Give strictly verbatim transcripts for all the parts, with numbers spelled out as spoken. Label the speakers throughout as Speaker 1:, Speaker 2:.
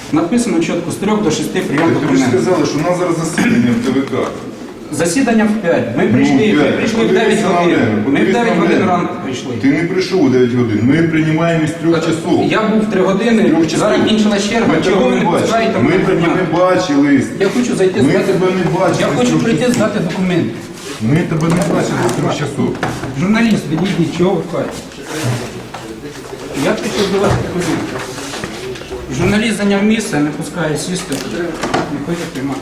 Speaker 1: Написано чітко з трьох до шести прийом
Speaker 2: Так тобі ж
Speaker 1: документів.
Speaker 2: сказали, що у нас зараз засідання в ТВК.
Speaker 1: Засідання в п'ять. Ми прийшли,
Speaker 2: Ну,
Speaker 1: ми
Speaker 2: п'ять.
Speaker 1: прийшли в
Speaker 2: Подивись
Speaker 1: дев'ять
Speaker 2: на
Speaker 1: годин.
Speaker 2: время,
Speaker 1: Ми в
Speaker 2: подивись
Speaker 1: дев'ять
Speaker 2: на
Speaker 1: годин
Speaker 2: время.
Speaker 1: ранку прийшли.
Speaker 2: Ти не прийшов у дев'ять годин, ми приймаємо із трьох часов.
Speaker 1: Я був в три години,
Speaker 2: Трьох часов.
Speaker 1: зараз кінчилась черга,
Speaker 2: Ми
Speaker 1: чого
Speaker 2: тебе
Speaker 1: ви
Speaker 2: не
Speaker 1: не
Speaker 2: бачили.
Speaker 1: пускаєте
Speaker 2: Ми
Speaker 1: мене
Speaker 2: тебе не
Speaker 1: прийняти?
Speaker 2: бачили.
Speaker 1: Я хочу зайти
Speaker 2: Ми
Speaker 1: здати.
Speaker 2: тебе не бачили
Speaker 1: Я
Speaker 2: з
Speaker 1: хочу
Speaker 2: трьох
Speaker 1: прийти
Speaker 2: часов.
Speaker 1: здати документи.
Speaker 2: Ми тебе не бачили з трьох часов.
Speaker 1: Журналіст, відійдіть, чого ви кажете? Я прийшов до вас годин. Журналіст зайняв місце, не пускає сісти, не хоче приймати.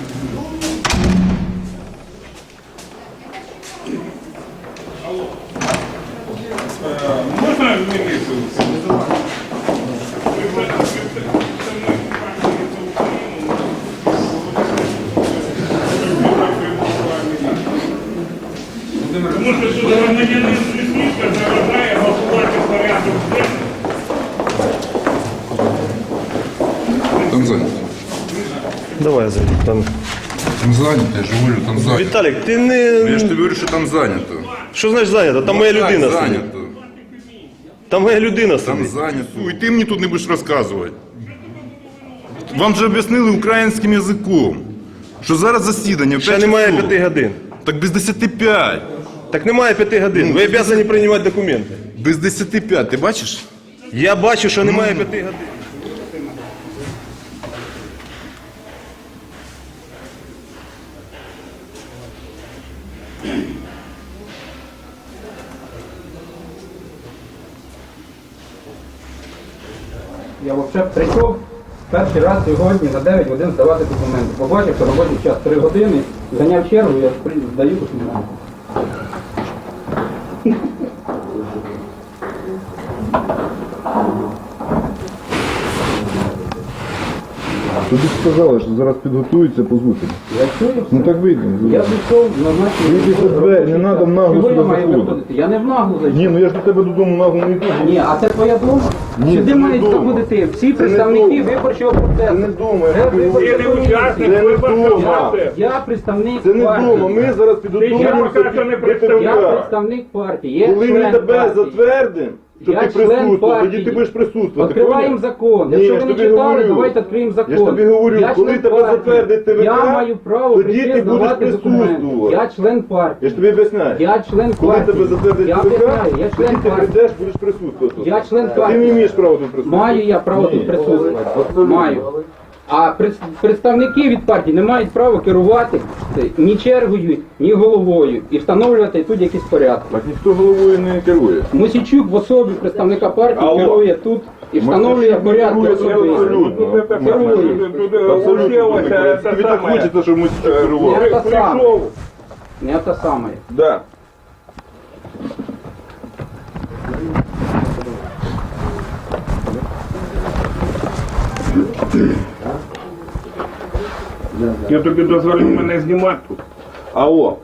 Speaker 3: Можна міліцію? Тому що тут громадянин Лісницька заважає голосувати порядок денний.
Speaker 2: Там зайнято.
Speaker 4: Давай зайди. Там.
Speaker 2: Там зайнято, я ж говорю, там зайнято.
Speaker 4: Віталік, ти не.
Speaker 2: Я ж тобі говорю, що там зайнято.
Speaker 4: Що значить зайнято? Там моя
Speaker 2: Так,
Speaker 4: людина стоїть.
Speaker 2: зайнято.
Speaker 4: Там моя людина
Speaker 2: Там
Speaker 4: стоїть.
Speaker 2: зайнято. І ти мені тут не будеш розказувати. Вам вже об'яснили українським язиком, що зараз засідання в
Speaker 4: Ще
Speaker 2: п'ять
Speaker 4: немає
Speaker 2: часов.
Speaker 4: п'яти годин.
Speaker 2: Так без десяти п'ять.
Speaker 4: Так немає п'яти годин. Ви обязані приймати документи.
Speaker 2: Без десяти п'ять, ти бачиш?
Speaker 4: Я бачу, що немає п'яти годин.
Speaker 1: Я взагалі прийшов перший раз сьогодні за дев'ять годин здавати документи. Побачив, що робочий час три години, зайняв чергу, я при- здаю документи.
Speaker 2: Тобі сказали, що зараз підготуються, позвути.
Speaker 1: Я чую
Speaker 2: Ну
Speaker 1: все.
Speaker 2: так вийдемо.
Speaker 1: Я прийшов на наші...
Speaker 2: Вийди за двері, не надо нагло
Speaker 1: Чого я
Speaker 2: сюди
Speaker 1: маю
Speaker 2: заходити.
Speaker 1: виходити? Я не в наглу зайшов.
Speaker 2: Ні, ну я ж до тебе додому нагло не йду.
Speaker 1: Ні, а це твоя дома?
Speaker 2: Ні,
Speaker 1: Сюди
Speaker 2: це не
Speaker 1: мають
Speaker 2: дома.
Speaker 1: заходити всі
Speaker 2: не
Speaker 1: представники
Speaker 2: дома.
Speaker 1: виборчого
Speaker 2: Це
Speaker 1: процесу.
Speaker 2: не вдома, я
Speaker 1: Це
Speaker 2: тобі
Speaker 1: виборча
Speaker 3: Ти не учасник
Speaker 2: Це не
Speaker 3: виборчого
Speaker 2: вдома.
Speaker 3: процесу.
Speaker 1: Я представник
Speaker 2: Це не
Speaker 1: партії.
Speaker 2: вдома, ми зараз
Speaker 3: Ти
Speaker 2: підготуємося
Speaker 3: поки що не
Speaker 2: до
Speaker 3: представляєш.
Speaker 1: Я
Speaker 2: ТВК.
Speaker 1: представник партії, є
Speaker 2: Коли ми
Speaker 1: член
Speaker 2: тебе
Speaker 1: партії.
Speaker 2: затвердимо, що
Speaker 1: Я
Speaker 2: ти
Speaker 1: член
Speaker 2: присутствував, тоді
Speaker 1: партії.
Speaker 2: ти будеш присутствувати.
Speaker 1: Відкриваємо
Speaker 2: поняв?
Speaker 1: закон.
Speaker 2: Ні,
Speaker 1: Якщо
Speaker 2: я
Speaker 1: ви
Speaker 2: ж
Speaker 1: не
Speaker 2: тобі
Speaker 1: читали,
Speaker 2: говорю.
Speaker 1: давайте відкриємо закон.
Speaker 2: Я ж тобі говорю,
Speaker 1: Я
Speaker 2: коли
Speaker 1: член
Speaker 2: тебе
Speaker 1: партії.
Speaker 2: затвердить ТВК,
Speaker 1: я маю право
Speaker 2: тоді
Speaker 1: прийти
Speaker 2: ти будеш
Speaker 1: здавати документи.
Speaker 2: присутствувати.
Speaker 1: Я член
Speaker 2: Я
Speaker 1: партії.
Speaker 2: ж тобі об'ясняю.
Speaker 1: Я член
Speaker 2: Коли
Speaker 1: партії.
Speaker 2: тебе затвердить
Speaker 1: Я
Speaker 2: ТВК,
Speaker 1: об'ясняю, я
Speaker 2: тоді
Speaker 1: член
Speaker 2: ти
Speaker 1: партії.
Speaker 2: прийдеш, будеш присутствувати.
Speaker 1: Я член
Speaker 2: А ти
Speaker 1: партії.
Speaker 2: не маєш права тут присутствувати.
Speaker 1: Маю я право
Speaker 2: Ні.
Speaker 1: тут присутствувати.
Speaker 2: Абсолютно.
Speaker 1: Маю. А пред- представники від партії не мають права керувати ні чергою, ні головою і встановлювати тут якісь порядки.
Speaker 2: Так ніхто головою не керує.
Speaker 1: Мосійчук в особі представника партії
Speaker 2: Алло.
Speaker 1: керує тут і встановлює
Speaker 2: Мосійчук не
Speaker 1: порядки
Speaker 2: керує
Speaker 1: особисті.
Speaker 2: абсолютно. Абсолютно. Тобі так хочеться, щоб ми тут керували.
Speaker 1: Не те саме.
Speaker 3: Прийшов.
Speaker 1: Не те саме.
Speaker 2: Да.
Speaker 3: Я тобі дозволив мене знімати тут.
Speaker 2: Алло.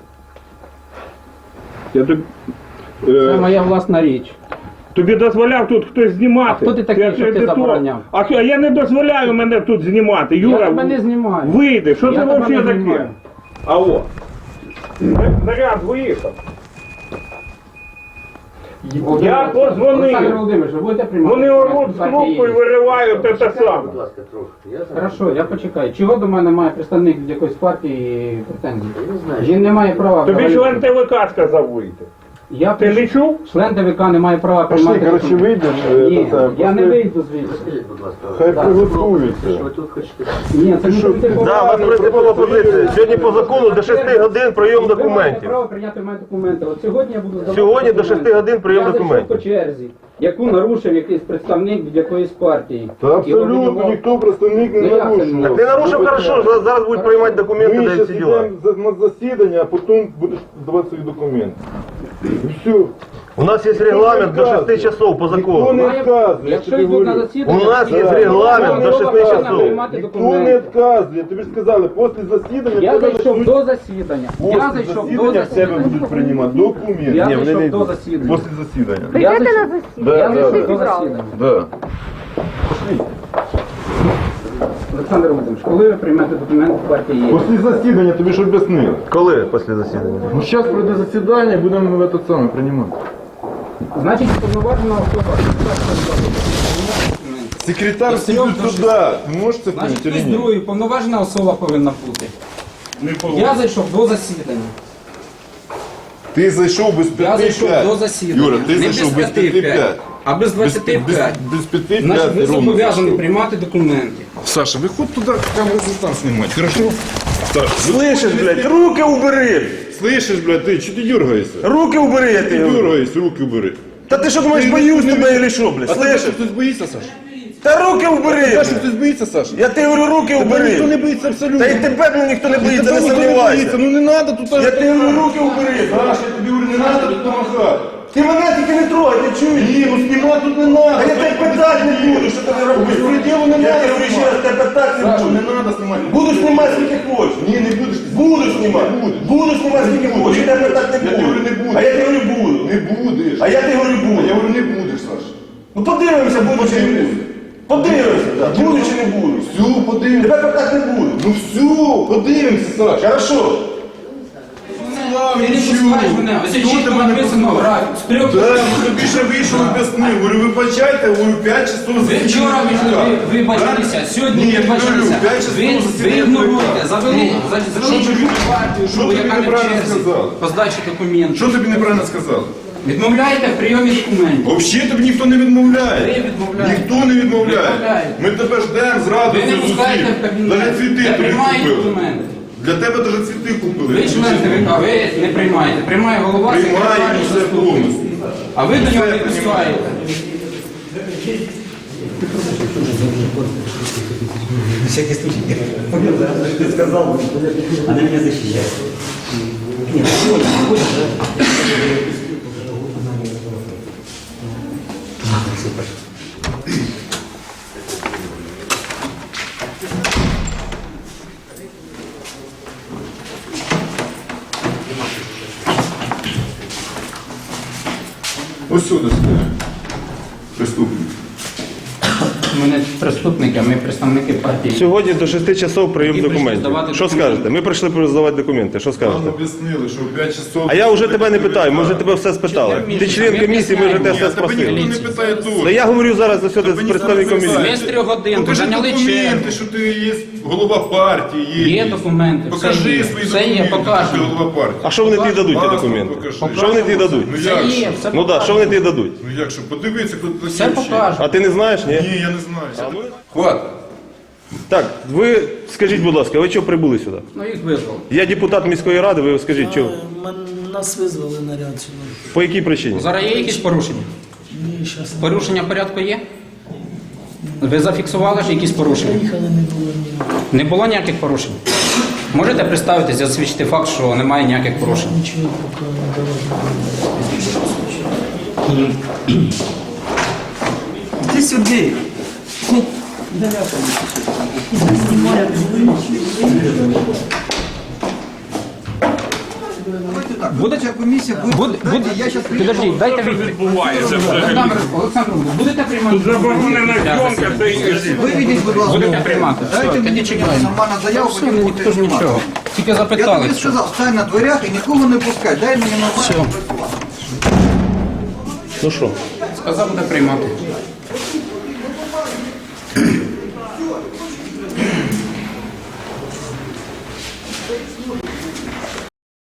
Speaker 3: Я тобі,
Speaker 1: Це
Speaker 3: е,
Speaker 1: моя власна річ.
Speaker 3: тобі дозволяв тут хтось знімати.
Speaker 1: А хто ти такий,
Speaker 3: Я
Speaker 1: щоб
Speaker 3: ж
Speaker 1: ти
Speaker 3: не то.
Speaker 1: забороняв?
Speaker 3: А що, я не дозволяю мене тут знімати.
Speaker 1: Я
Speaker 3: Юра,
Speaker 1: тебе не знімаю.
Speaker 3: вийди. Що
Speaker 1: Я
Speaker 3: це
Speaker 1: тебе
Speaker 3: взагалі
Speaker 1: не
Speaker 3: таке?
Speaker 1: знімаю.
Speaker 3: Алло. Наряд виїхав. Я
Speaker 1: Олександр
Speaker 3: позвонив.
Speaker 1: Володимирович, ви будете приймати?
Speaker 3: Вони оруть з
Speaker 1: Партії
Speaker 3: трубку і
Speaker 1: є.
Speaker 3: виривають те саме.
Speaker 1: Хорошо, я почекаю. Чого до мене має представник від якоїсь партії претензій? Він не має права.
Speaker 3: Тобі
Speaker 1: взагалі.
Speaker 3: член ТВК сказав вийти.
Speaker 1: Я
Speaker 3: Ти не чув?
Speaker 1: член ТВК не має права
Speaker 2: Пошли,
Speaker 1: приймати.
Speaker 2: коротше,
Speaker 1: документи.
Speaker 2: вийдемо,
Speaker 1: Ні,
Speaker 2: е, та,
Speaker 1: я не
Speaker 2: пошли.
Speaker 1: вийду звідси.
Speaker 2: Хай приготуються.
Speaker 1: Ні, це не
Speaker 2: що,
Speaker 1: типу-
Speaker 4: Да, у вас принципова позиція. Сьогодні по закону до шести годин прийом
Speaker 1: Ви маєте
Speaker 4: документів.
Speaker 1: право прийняти мої документи. От сьогодні я буду здавати
Speaker 4: Сьогодні до
Speaker 1: документи.
Speaker 4: шести годин прийом
Speaker 1: я
Speaker 4: документів.
Speaker 1: Я зайшов по черзі, яку нарушив якийсь представник від якоїсь партії.
Speaker 2: Та
Speaker 1: І
Speaker 2: абсолютно
Speaker 1: обвинував-
Speaker 2: ніхто представник не
Speaker 1: Ну, як це не?
Speaker 2: нарушував.
Speaker 4: Так не нарушив, хорошо, зараз- зараз будуть приймати документи,
Speaker 2: Ми
Speaker 4: да і
Speaker 2: зараз
Speaker 4: всі діла.
Speaker 2: йдемо за- на засідання, а потім будеш давати свої документи. І все.
Speaker 4: У нас є регламент до шести часов по
Speaker 2: Ніхто
Speaker 4: закону.
Speaker 2: не
Speaker 1: Має-
Speaker 2: відказує, я
Speaker 1: Якщо
Speaker 2: тобі
Speaker 1: йдуть на
Speaker 2: говорю.
Speaker 1: засідання,
Speaker 4: У нас є
Speaker 1: то
Speaker 4: регламент
Speaker 1: я
Speaker 4: до шести
Speaker 1: повинен
Speaker 4: часов.
Speaker 1: приймати
Speaker 2: Ніхто
Speaker 1: документи.
Speaker 2: не відказує. Тобі ж сказали, після засідання
Speaker 1: Я
Speaker 2: тебе
Speaker 1: зайшов
Speaker 2: почнуть-
Speaker 1: до засідання. Я
Speaker 2: Після
Speaker 1: зайшов до
Speaker 2: засідання в тебе
Speaker 1: засідання.
Speaker 2: будуть приймати документи.
Speaker 1: Я
Speaker 2: Ні, вони
Speaker 1: зайшов
Speaker 2: не
Speaker 1: до
Speaker 2: йдуть.
Speaker 1: засідання.
Speaker 2: Після засідання.
Speaker 1: Я
Speaker 5: Прийдете
Speaker 1: зайшов-
Speaker 5: на засідання?
Speaker 2: Да,
Speaker 1: Я
Speaker 2: да,
Speaker 1: зайшов
Speaker 2: да.
Speaker 1: до засідання.
Speaker 2: Да.
Speaker 1: Олександр Володимирович, коли ви приймете документи в партії є?
Speaker 2: Після засідання тобі ж об'яснили.
Speaker 4: Коли після засідання?
Speaker 2: Ну зараз пройде засідання і будемо в этот самий приймати.
Speaker 1: Значить, повноважена особа.
Speaker 2: Секретар
Speaker 1: До трьох,
Speaker 2: сидить
Speaker 1: до
Speaker 2: туди. Ви можете
Speaker 1: Значить,
Speaker 2: понять
Speaker 1: хтось
Speaker 2: чи ні?
Speaker 1: другий, повноважена особа повинна бути.
Speaker 3: Не
Speaker 1: Я
Speaker 3: повинен.
Speaker 1: зайшов до засідання.
Speaker 2: Ти зайшов без
Speaker 1: Я
Speaker 2: п'яти
Speaker 1: зайшов
Speaker 2: п'ять.
Speaker 1: до засідання.
Speaker 2: Юра, ти
Speaker 1: Не
Speaker 2: зайшов без
Speaker 1: без
Speaker 2: п'яти
Speaker 1: п'яти
Speaker 2: п'ять.
Speaker 1: п'ять, а без двадцяти п'ять.
Speaker 2: Без п'яти
Speaker 1: Значить, ви
Speaker 2: п'ять ровно
Speaker 1: зобов'язані
Speaker 2: зайшов.
Speaker 1: приймати документи.
Speaker 2: Саша, выходь туда, камеру там снимать, хорошо? Саша,
Speaker 4: Слышиш, блядь, руки убери!
Speaker 2: слышишь, блядь, ты что ты дергаешься?
Speaker 4: Руки убери, я
Speaker 2: Ты
Speaker 4: ти говорю.
Speaker 2: дергаешься, руки убери.
Speaker 4: Та ти що думаєш, боюсь тебе или що, блядь?
Speaker 2: А ты что,
Speaker 4: Слышиш?
Speaker 2: кто-то боится, Саша?
Speaker 4: Та руки убери!
Speaker 2: Саша,
Speaker 4: блядь.
Speaker 2: кто-то боится, Саша?
Speaker 4: Я ти говорю, руки
Speaker 2: Никто
Speaker 4: убери!
Speaker 2: не боится абсолютно.
Speaker 4: Та й тебе, блядь, ніхто не боїться,
Speaker 2: Никто
Speaker 4: не
Speaker 2: никто не
Speaker 4: сумнівайся!
Speaker 2: боится, ну не надо тут...
Speaker 4: Я ти говорю, руки убери!
Speaker 2: Саша, я тебе говорю, не надо тут помахать.
Speaker 4: Ти мене тільки не трогай, ти чуєш?
Speaker 2: Не, ну снимать тут не надо.
Speaker 4: А я тебе питати не буду, що ти не робиш?
Speaker 2: Беспределу не
Speaker 4: Я
Speaker 2: надо
Speaker 4: тебе говорю ще раз, тебе питати не
Speaker 2: Саша,
Speaker 4: буду.
Speaker 2: не надо снимать.
Speaker 4: Буду знімати скільки хочеш.
Speaker 2: Не, не будешь ты
Speaker 4: Буду знімати. Буду знімати скільки хочеш. Я тебе питати не
Speaker 2: Я
Speaker 4: буду.
Speaker 2: говорю, не буду.
Speaker 4: А я тебе говорю, буду.
Speaker 2: Не будешь.
Speaker 4: А я тебе говорю,
Speaker 2: А
Speaker 4: буду.
Speaker 2: я говорю, не будешь, Саша.
Speaker 4: Ну подивимося, буду чи не буду. Подивимося, так. Буду чи не буду.
Speaker 2: Все, подивимся.
Speaker 4: Тебе питати не буду.
Speaker 2: Ну все, подивимося, Саша.
Speaker 4: Хорошо.
Speaker 1: Ти не пускаєш мене. Ось
Speaker 2: Хто
Speaker 1: чітко
Speaker 2: тебе не
Speaker 1: написано
Speaker 2: пускав?
Speaker 1: графік. З трьох
Speaker 2: Да, ну тобі ще вийшов об'яснив. Говорю, вибачайте, говорю, п'ять часов
Speaker 1: Ви вчора ви, ви вибачилися, сьогодні
Speaker 2: Ні,
Speaker 1: ви вибачилися.
Speaker 2: п'ять часов
Speaker 1: Ви, ви
Speaker 2: засідання
Speaker 1: ігноруєте,
Speaker 2: ЦВК.
Speaker 1: завели,
Speaker 2: Ну,
Speaker 1: за-
Speaker 2: що
Speaker 1: завели
Speaker 2: тобі-
Speaker 1: чужу партію,
Speaker 2: що
Speaker 1: що
Speaker 2: тобі
Speaker 1: яка не в
Speaker 2: неправильно
Speaker 1: черзі
Speaker 2: сказали?
Speaker 1: по здачі документів.
Speaker 2: Що тобі неправильно сказали?
Speaker 1: Відмовляєте в прийомі документів.
Speaker 2: Взагалі тобі ніхто не відмовляє.
Speaker 1: Ви відмовляєте.
Speaker 2: Ніхто не відмовляє.
Speaker 1: Відмовляєте.
Speaker 2: Ми тебе ждемо з
Speaker 1: Ви
Speaker 2: радістю
Speaker 1: не пускаєте в
Speaker 2: зустріти.
Speaker 1: кабінет.
Speaker 2: Навіть цвіти
Speaker 1: Я
Speaker 2: тобі
Speaker 1: приймаю
Speaker 2: купили.
Speaker 1: документи.
Speaker 2: Для тебе навіть цвіти купили.
Speaker 1: Ви член ТВК, ви не приймаєте. Приймає голова,
Speaker 2: Приймаю
Speaker 1: секретар,
Speaker 2: все
Speaker 1: заступник.
Speaker 2: повністю.
Speaker 1: А ви до нього не
Speaker 2: Все
Speaker 1: пускаєте.
Speaker 5: всякий случай. Ты сказал, она меня защищает. Нет, сегодня, сегодня,
Speaker 2: Ось сюди стоять. Преступник.
Speaker 1: Ми не преступники, ми представники партії.
Speaker 4: Сьогодні до шести часов прийом
Speaker 1: Які прийшли
Speaker 4: документів.
Speaker 1: здавати
Speaker 4: Що
Speaker 1: документи.
Speaker 4: скажете? Ми прийшли здавати документи. Що
Speaker 2: Нам
Speaker 4: скажете?
Speaker 2: об'яснили, що в п'ять часов...
Speaker 4: А я вже тебе не питаю, ми вже тебе все спитали. Ти член комісії, ми вже тебе
Speaker 2: Ні,
Speaker 4: все
Speaker 2: тебе ніхто
Speaker 4: спросили.
Speaker 2: не питає тут.
Speaker 4: Та я говорю зараз за сюди
Speaker 2: Тебе
Speaker 4: з
Speaker 2: ніхто
Speaker 4: представником
Speaker 2: не питає.
Speaker 4: комісії.
Speaker 1: Ми з трьох годин
Speaker 2: Покажи
Speaker 1: зайняли
Speaker 2: документи,
Speaker 1: чергу.
Speaker 2: що ти є голова партії. Є,
Speaker 1: Є документи, все
Speaker 2: Покажи
Speaker 1: є.
Speaker 2: свої
Speaker 1: Все є,
Speaker 2: документи, що ти
Speaker 1: покажемо.
Speaker 2: голова партії.
Speaker 4: А що вони тобі дадуть, ті
Speaker 2: Паспорт
Speaker 4: документи?
Speaker 2: покажи.
Speaker 4: Що вони тобі дадуть?
Speaker 2: Ну
Speaker 1: Все
Speaker 2: як
Speaker 1: є,
Speaker 2: же?
Speaker 1: все
Speaker 4: Ну так, що вони тобі дадуть?
Speaker 2: Ну як що, подивися, хто такий.
Speaker 1: Все покажемо.
Speaker 4: А ти не знаєш, ні?
Speaker 2: Ні, я не знаю. Хватить.
Speaker 4: Так, ви скажіть, будь ласка, ви чого прибули сюди?
Speaker 1: Ну їх визвали.
Speaker 4: Я депутат міської ради, ви скажіть, чого?
Speaker 6: Мен- Нас визвали наряд сюди.
Speaker 4: По якій причині?
Speaker 1: Зараз є якісь порушення?
Speaker 6: Ні, щас не
Speaker 1: Порушення порядку є? Ви зафіксували ж якісь порушення?
Speaker 6: приїхали, не було ніякого.
Speaker 1: Не було ніяких порушень? Можете представитись, засвідчити факт, що немає ніяких порушень?
Speaker 6: Нічого поки не давали.
Speaker 5: Иди сюда.
Speaker 1: Будете комісія? Буде, буде, Підождіть, дайте відповідь.
Speaker 3: Відбувається взагалі.
Speaker 1: Олександр, Олександр, будете приймати?
Speaker 3: Заборонена зйомка, це і
Speaker 7: Виведіть, будь ласка.
Speaker 1: Будете приймати.
Speaker 7: Дайте
Speaker 1: Все,
Speaker 7: мені
Speaker 1: тоді чекаємо.
Speaker 7: нормальну заяву,
Speaker 1: Все,
Speaker 7: потім
Speaker 1: ну,
Speaker 7: будете
Speaker 1: ніхто ж
Speaker 7: знімати.
Speaker 1: нічого. Тільки
Speaker 7: Я
Speaker 1: запитали.
Speaker 7: тобі
Speaker 1: що.
Speaker 7: сказав, стань на дверях і нікого не пускай. Дай мені нормально
Speaker 1: Все.
Speaker 7: працювати.
Speaker 4: Ну що?
Speaker 1: Сказав, буде приймати.